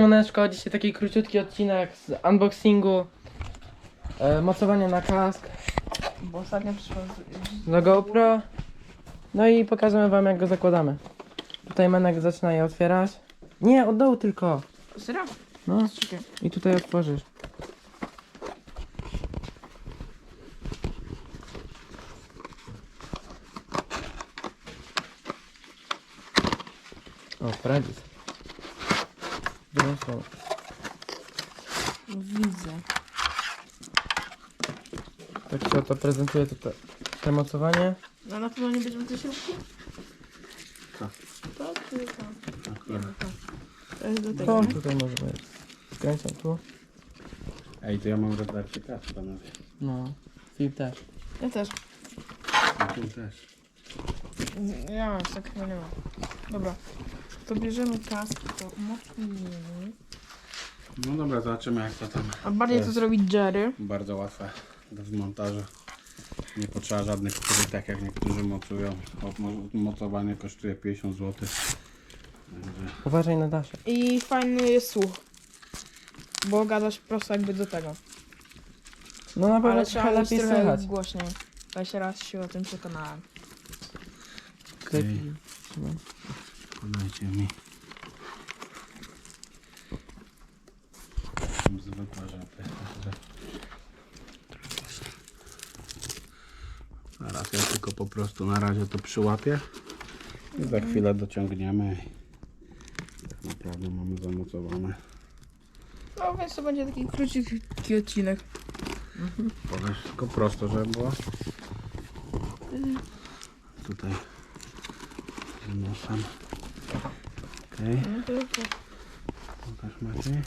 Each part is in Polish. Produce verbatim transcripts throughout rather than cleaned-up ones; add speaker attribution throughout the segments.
Speaker 1: Siemoneczko, dzisiaj taki króciutki odcinek z unboxingu, e, mocowanie na kask,
Speaker 2: Bo ostatnio przyszło z...
Speaker 1: do GoPro, no i pokażemy wam jak go zakładamy. Tutaj Menek zaczyna je otwierać. Nie, od dołu tylko.
Speaker 2: Serio?
Speaker 1: No
Speaker 2: Czekaj.
Speaker 1: i tutaj otworzysz. O, poradzi sobie. Drugą stroną.
Speaker 2: Widzę.
Speaker 1: Tak się oto prezentuje tutaj to mocowanie.
Speaker 2: No na pewno nie będziemy tej śrubki?
Speaker 3: Tak.
Speaker 2: To czy to? Nie, to. To jest do tego,
Speaker 1: To
Speaker 2: nie?
Speaker 1: tutaj może być. Skręcam tu.
Speaker 3: Ej, to ja mam rodarcie kask, panowie.
Speaker 1: No, Filip też.
Speaker 2: Ja też.
Speaker 3: A tu też.
Speaker 2: Ja już tak chyba nie ma. Dobra. To bierzemy kask, to mocniej.
Speaker 3: No dobra, zobaczymy jak to tam.
Speaker 2: A bardziej to
Speaker 3: jest.
Speaker 2: zrobić Jerry.
Speaker 3: Bardzo łatwe do zmontażu. Nie potrzeba żadnych skrytek, jak niektórzy mocują. O, mo- Mocowanie kosztuje pięćdziesiąt złotych. Także
Speaker 1: Uważaj na dasze.
Speaker 2: I fajny jest słuch. Bo gadasz prosto jakby do tego.
Speaker 1: No na pewno
Speaker 2: Ale
Speaker 1: trochę
Speaker 2: trzeba mieć
Speaker 1: lepiej
Speaker 2: trochę
Speaker 1: słychać.
Speaker 2: głośniej. Jeszcze raz się o tym przekonałem.
Speaker 1: Lepiej.
Speaker 3: podajcie mi. Zwykłe żarty. Zaraz ja tylko po prostu na razie to przyłapię. I za chwilę dociągniemy. I tak naprawdę mamy zamocowane.
Speaker 2: No więc to będzie taki króciutki odcinek.
Speaker 3: Podać tylko prosto, żeby było. Tutaj z nosem. Okej,
Speaker 2: No to, to.
Speaker 3: pokaż Maciej.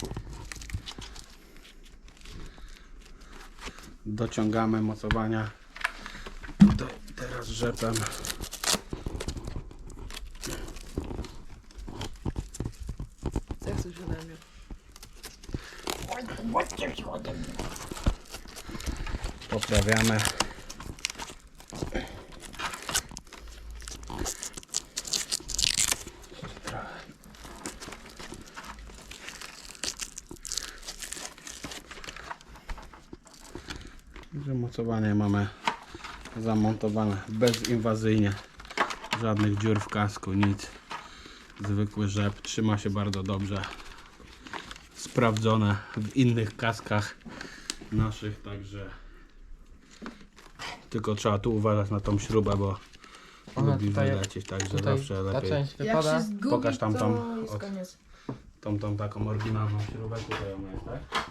Speaker 3: Dociągamy mocowania. Tutaj teraz rzepem.
Speaker 2: Co chcesz ode mnie?
Speaker 3: Poprawiamy. Że mocowanie mamy zamontowane bezinwazyjnie. Żadnych dziur w kasku, nic. Zwykły rzep. Trzyma się bardzo dobrze. Sprawdzone w innych kaskach naszych, także tylko trzeba tu uważać na tą śrubę, bo
Speaker 1: Ona
Speaker 3: lubi
Speaker 1: tutaj-
Speaker 3: wylecieć, także
Speaker 1: Tutaj
Speaker 3: zawsze
Speaker 1: ta
Speaker 3: lepiej
Speaker 1: część
Speaker 2: Jak
Speaker 1: wypada.
Speaker 2: się zgubi,
Speaker 3: Pokaż tam
Speaker 2: to
Speaker 3: tą
Speaker 2: jest
Speaker 3: od-
Speaker 2: koniec.
Speaker 3: tą, tą taką oryginalną śrubę, tutaj ona jest, tak?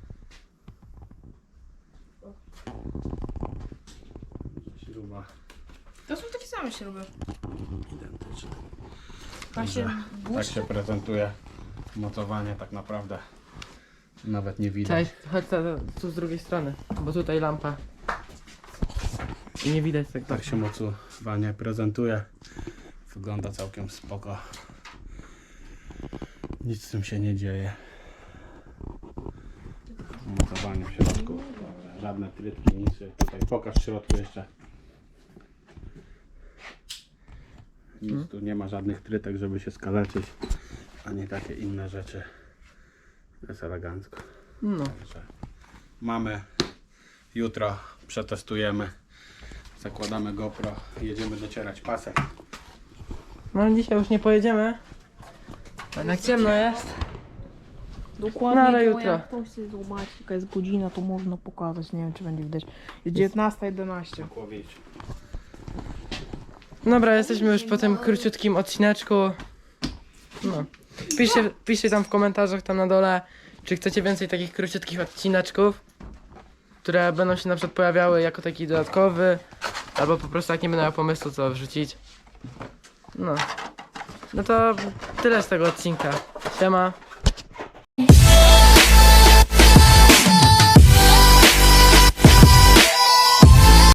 Speaker 3: Śruba
Speaker 2: To są takie same śruby.
Speaker 3: identyczna.
Speaker 2: Ma się
Speaker 3: Tak
Speaker 2: błyszczy?
Speaker 3: się prezentuje mocowanie, tak naprawdę nawet nie widać.
Speaker 1: Cześć, chodź ta- tu z drugiej strony, bo tutaj lampa. I nie widać tak.
Speaker 3: Tak się mocowanie prezentuje. Wygląda całkiem spoko. Nic z tym się nie dzieje. Mocowanie w środku. Żadne trytki, nic. Tutaj pokaż w środku jeszcze. Nic tu nie ma żadnych trytek, żeby się skaleczyć. Ani takie inne rzeczy. Jest elegancko.
Speaker 1: No.
Speaker 3: Także mamy. Jutro przetestujemy. Zakładamy GoPro. Jedziemy docierać pasek.
Speaker 1: No dzisiaj już nie pojedziemy. Jednak ciemno jest.
Speaker 2: Dokładnie,
Speaker 1: No, ale
Speaker 2: to
Speaker 1: jutro.
Speaker 2: jak ktoś chce zobaczyć jaka jest godzina, to można pokazać, nie wiem czy będzie widać. Jest dziewiętnasta jedenaście.
Speaker 3: Kłowić.
Speaker 1: Dobra, jesteśmy już po tym króciutkim odcineczku. No. Piszcie, piszcie tam w komentarzach tam na dole, czy chcecie więcej takich króciutkich odcineczków, które będą się na przykład pojawiały jako taki dodatkowy, albo po prostu jak nie będę miał pomysłu co wrzucić. No. No to tyle z tego odcinka. Siema.